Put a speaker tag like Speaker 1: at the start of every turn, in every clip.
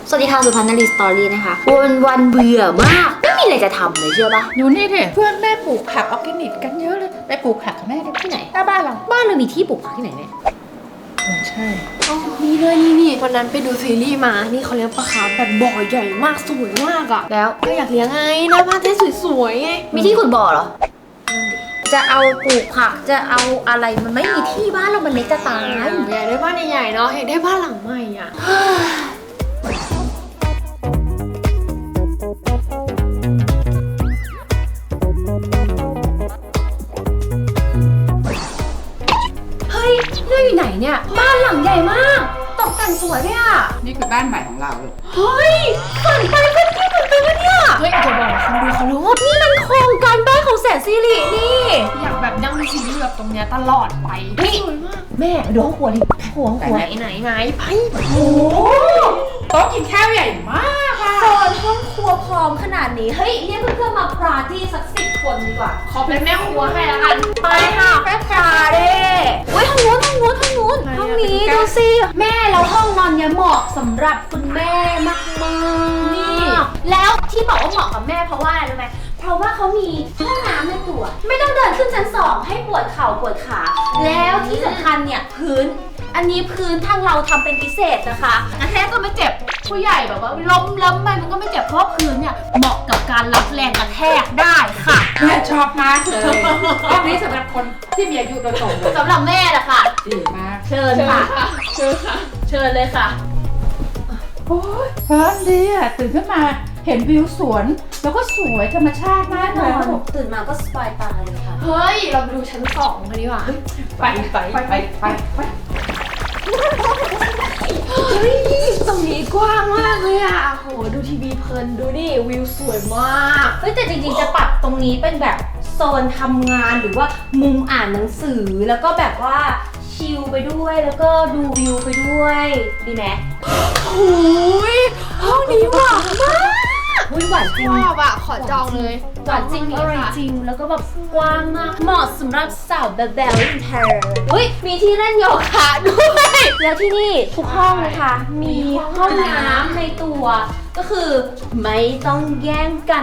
Speaker 1: สวัสดีค่ะสุพรรณนารีสตอรี่นะคะวันเบื่อมากไม่มีอะไรจะทำเลยเชื่อปะ
Speaker 2: อยู่นี่ดิเพื่อนแม่ปลูกผักออร์แกนิกกันเยอะเลยไปปลูกผักกับแม่ดิ
Speaker 1: ที่ไหน
Speaker 2: หน้าบ้านเรา
Speaker 1: บ้านเรามีที่ปลูกผักที่ไหนเนี่ย
Speaker 2: ใช่
Speaker 3: นี่เลยนี่วันนั้นไปดูซีรีส์มา นี่เขาเลี้ยงปลาคาร์ฟแบบบ่อใหญ่มากสวยมากอะ
Speaker 1: แล้ว
Speaker 3: ก็อยากเลี้ยงไงหน้าบ้านได้สวยๆไง
Speaker 1: มีที่ขุดบ่อเหรอจะเอาปลูกผักจะเอาอะไรมันไม่มีที่บ้านเรามันเล็กจะตาย
Speaker 3: อยากได้บ้านใหญ่ๆเนาะอยากได้บ้านหลังใหม่อะเฮ้ยเรื่องอยู่ไหนเนี่ยบ้านหลังใหญ่มากตกแต่งสวยด้วยอะ
Speaker 2: นี่คือบ้านใหม่ของเราลูก
Speaker 3: เฮ้ยฝันไปเพื่อนที่ฝันไปวะเนี่ยเฮ้ยอย่าบอกนะคนดูเขารู้ว่านี่มันโครงการบ้านของแสนสิรินี่
Speaker 4: อยากแบบนั่งดูซีรีส์แบบตรงเนี้ยตลอดไป
Speaker 3: สวยมากแม่ดูห้องครัวดิห้องครัวไหนไป
Speaker 4: โอ้โต๊ะกินข้าวใหญ่มากอะ
Speaker 1: โซนห้องครัวพร้อมขนาดนี้เฮ้ยเรียกเพื่อนๆมาปาร์ตี้สัก10 คนดีกว่า
Speaker 4: ขอเป็นแม่ครัวให้แล้วกัน
Speaker 1: ไปค่ะแม่ปาเด้เฮ้ยห้องนู้นห้องนี้ดูสิแม่แล้วห้องนอนเนี่ยเหมาะสำหรับคุณแม่มากๆนี่แล้วที่บอกว่าเหมาะกับแม่เพราะว่าอะไรรู้ไหมเพราะว่าเขามีห้องน้ำในตัว ไม่ต้องเดินขึ้นชั้น 2ให้ปวดเข่าปวดขาแล้วที่สำคัญเนี่ยพื้นอันนี้พื้นทางเราทำเป็นพิเศษนะคะกระแทกก็ไม่เจ็บผู้ใหญ่แบบว่าล้มไปมันก็ไม่เจ็บเพราะพื้นเนี่ยเหมาะกับการรับแรงกระแทกได้ค่ะ
Speaker 2: แม่ชอบมากเลยห้องนี้สำหรับคนที่มีอายุโดยตรงเลย
Speaker 1: สำหรับแม่แหละค่ะ
Speaker 2: ดีมาก
Speaker 1: เชิญค่ะ เชิญเลยค่ะ
Speaker 2: โอ้ยเพิ่นดีอ่ะตื่นขึ้นมาเห็นวิวสวน แล้วก็สวยธรรมชาติมากเลย
Speaker 1: ตื่นมาก็สบายตาเลยค่ะ
Speaker 3: เฮ้ยเราไปดูชั้น 2กันดีกว่า
Speaker 2: ไป
Speaker 3: เฮ้ยตรงนี้กว้างมากเลยอ่ะโหดูทีวีเพลินดูดิวิวสวยมาก
Speaker 1: เฮ้ยแต่จริงๆจะปรับตรงนี้เป็นแบบโซนทำงานหรือว่ามุมอ่านหนังสือแล้วก็แบบว่าชิลไปด้วยแล้วก็ดูวิวไปด้วยดีไหม
Speaker 3: โอ้ยห้องนี้หวานมาก
Speaker 1: อุ้ยหวานจริง
Speaker 3: ชอบอ่ะขอจองเลย
Speaker 1: หวานจริงอร่อยจริงแล้วก็แบบกว้างมากเหมาะสำหรับสาวแบบแบบอินเทอร์เฮ้ยมีที่เล่นโยคะด้วยแล้วที่นี่ทุกห้องนะคะ มีห้องน้ำในตัวก็คือไม่ต้องแย่งกัน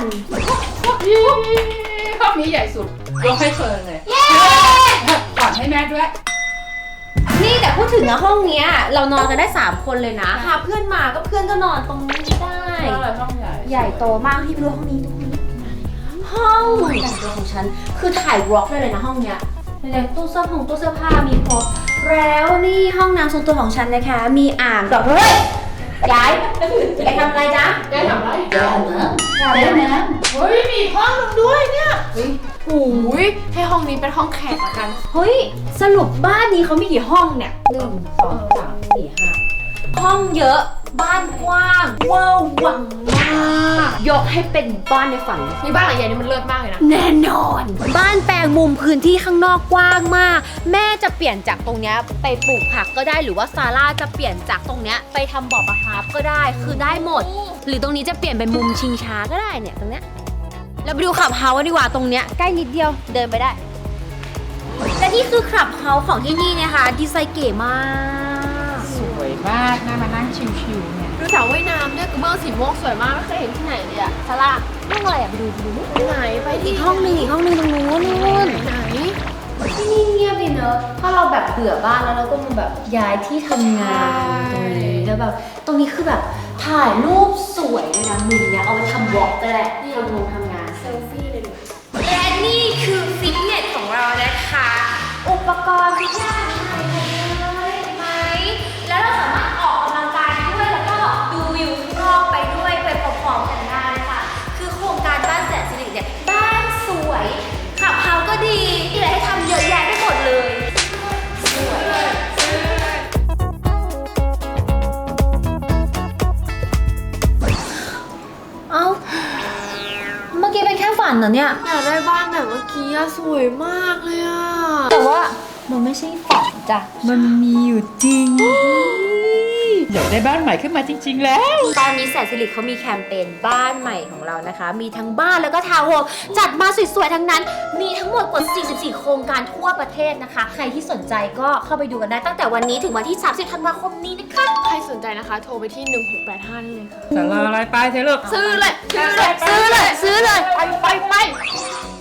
Speaker 2: ห้องนี้ใหญ่สุดยกให้เฟิร์นเลยก่อนให้แม่ด้วย
Speaker 1: นี่แต่พูดถึงนะห้องเนี้ยเรานอนกันได้3 คนเลยนะพาเพื่อนมาก็เพื่อนก็นอนตรงนี้ได้
Speaker 2: ห้องใหญ่
Speaker 1: ใหญ่โตมากที่ดูห้องนี้ห้องแต่งตัวของฉันคือถ่ายวอล์กได้เลยนะห้องเนี้ยเลยตู้เสื้อผ้ามีครบแล้วนี่ห้องน้ำส่วนตัวของฉันนะคะ มีอ่างดอกเฮ้ยย้ายไปทำอะไรจ๊ะ
Speaker 4: ยายทำอะไร
Speaker 1: ย้ายเหรอ
Speaker 2: เดี๋ยวนะ
Speaker 4: เฮ้ยมีอีกห้องนึงด้วยเนี่ย
Speaker 3: โอ้ยให้ห้องนี้เป็นห้องแขกละกัน
Speaker 1: เฮ้ยสรุปบ้านนี้เขามีกี่ห้องเนี่ย1 2 3 4 5ห้องเยอะบ้านกว้างเวอร์วังมากยกให้เป็นบ้านในฝัน
Speaker 3: นี่บ้านหลังใหญ่นี่มันเลิศมากเลยนะ
Speaker 1: แน่นอน บ้านแปลงมุมพื้นที่ข้างนอกกว้างมาก แม่จะเปลี่ยนจากตรงเนี้ยไปปลูกผักก็ได้หรือว่าซาร่าจะเปลี่ยนจากตรงเนี้ยไปทำบ่อปลาคาร์ฟก็ได้คือได้หมด หรือตรงนี้จะเปลี่ยนเป็นมุมชิงช้าก็ได้เนี่ยตรงเนี้ยเราไปดูคลับเฮาส์กันดีกว่าตรงเนี้ยใกล้นิดเดียวเดินไปได้และนี่คือคลับเฮาส์ของที่นี่นะคะดีไซน์เก๋มาก
Speaker 2: สวยมากน่ามานั่งชิวๆเนี่ย
Speaker 3: ดูสระว่ายน้ำด้วยกระเบื้องสีม่วงสวยมากไม่เคยเห็นที่ไหนเลยอะ
Speaker 1: ซาร่าห้องอะไรอ่ะไปดู
Speaker 3: ไหนไป
Speaker 1: อี
Speaker 3: ที่
Speaker 1: กห้องหนึงตรงนู้น
Speaker 3: ไหน
Speaker 1: ที่นี่เงียบดีเนอะถ้าเราแบบเบื่อบ้านแล้วเราก็มาแบบย้ายที่ทำงานตรงนี้แล้วแบบตรงนี้คือแบบถ่ายรูปสวยเลยนะมุมเนี้ยเอาไปทำวอล์กก็ได้ทำงาน
Speaker 3: เซลฟี่เลยดู
Speaker 1: และนี่คือฟิตเนสของเรานะคะ อุปกรณ์ทุกอย่างใหม่หมดเลยเห็นไหมแล้วเราสามารถออกกำลังกายด้วยแล้วก็ดูวิวข้างนอกไปด้วยไปพร้อมๆกันได้ค่ะคือโครงการบ้านแสนสิริเนี่ยบ้านสวยขับเฮาก็ดีมีอะไรให้ทำเยอะแยะไปหมดเลยสวยเอ้าเมื่อกี้เป็นแค่ฝันเหรอเนี่ย
Speaker 3: อยากได้บ้านแบบเมื่อกี้อะสวยมากเลยอะ
Speaker 1: แต่ว่ามันไม่ใช่ฝันจ้ะ มันมีอยู่จริง
Speaker 2: อยากได้บ้านใหม่ขึ้นมาจริง ๆ แล้ว
Speaker 3: ตอนนี้แสนสิริเขามีแคมเปญบ้านใหม่ของเรานะคะ มีทั้งบ้านแล้วก็ทาวน์โฮมจัดมาสวยๆทั้งนั้น มีทั้งหมดกว่า 44 โครงการทั่วประเทศนะคะ ใครที่สนใจก็เข้าไปดูกันได้ตั้งแต่วันนี้ถึงวันที่ 30 ธันวาคมนี้นะคะ
Speaker 5: ใครสนใจนะคะ โทรไปที่ 1685ได้เลยค่ะ
Speaker 2: แต่รออะไรไปเถอะลูก
Speaker 3: ซื้อเลย
Speaker 5: ซื้อเลย
Speaker 3: ซื้อเลย
Speaker 5: ไป